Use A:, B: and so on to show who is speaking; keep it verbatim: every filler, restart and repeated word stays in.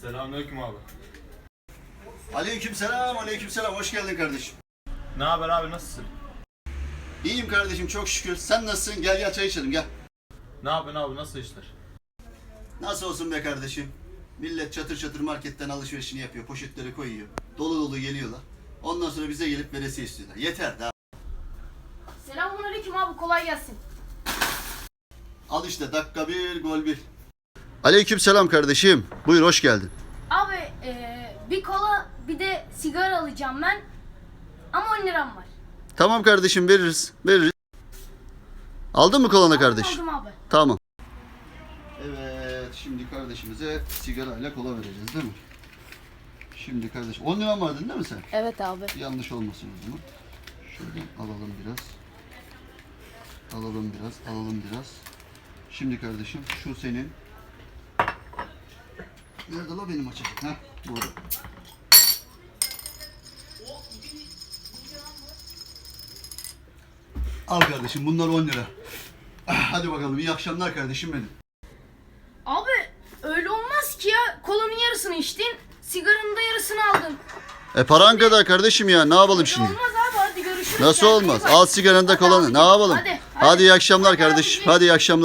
A: Selamünaleyküm abi.
B: Aleykümselam, aleykümselam. Hoş geldin kardeşim.
A: Ne haber abi, nasılsın?
B: İyiyim kardeşim, çok şükür. Sen nasılsın? Gel gel çay içelim, gel.
A: Ne yapıyorsun abi, nasıl işler?
B: Nasıl olsun be kardeşim? Millet çatır çatır marketten alışverişini yapıyor, poşetleri koyuyor. Dolu dolu geliyorlar. Ondan sonra bize gelip veresiye istiyorlar. Yeter daha.
C: Selamünaleyküm abi, kolay gelsin.
B: Al işte dakika bir, gol bir. Aleykümselam kardeşim. Buyur, hoş geldin.
C: Abi eee, bir kola bir de sigara alacağım ben. Ama on liram var.
B: Tamam kardeşim, veririz, veririz. Aldın mı kolanı kardeş?
C: Aldım abi.
B: Tamam. Evet, şimdi kardeşimize sigarayla kola vereceğiz değil mi? Şimdi kardeş, on liran vardın değil mi sen?
C: Evet abi.
B: Yanlış olmasın o zaman. Şuradan alalım biraz. Alalım biraz, alalım biraz. Şimdi kardeşim şu senin. Nerede la benim açım? Heh, burada. Al kardeşim, bunlar on lira. Ah, hadi bakalım, iyi akşamlar kardeşim benim.
C: Abi öyle olmaz ki ya. Kolanın yarısını içtin, sigaranın da yarısını aldın.
B: E paran kadar kardeşim ya, ne yapalım
C: Öyle
B: şimdi?
C: olmaz abi, hadi görüşürüz.
B: Nasıl
C: Kendine iyi
B: olmaz?
C: bak.
B: Al sigaranı da
C: Hadi
B: kolanı,
C: abicim,
B: ne yapalım?
C: hadi,
B: Hadi,
C: hadi.
B: iyi akşamlar
C: Hadi
B: kardeş.
C: abicim.
B: Hadi iyi akşamlar.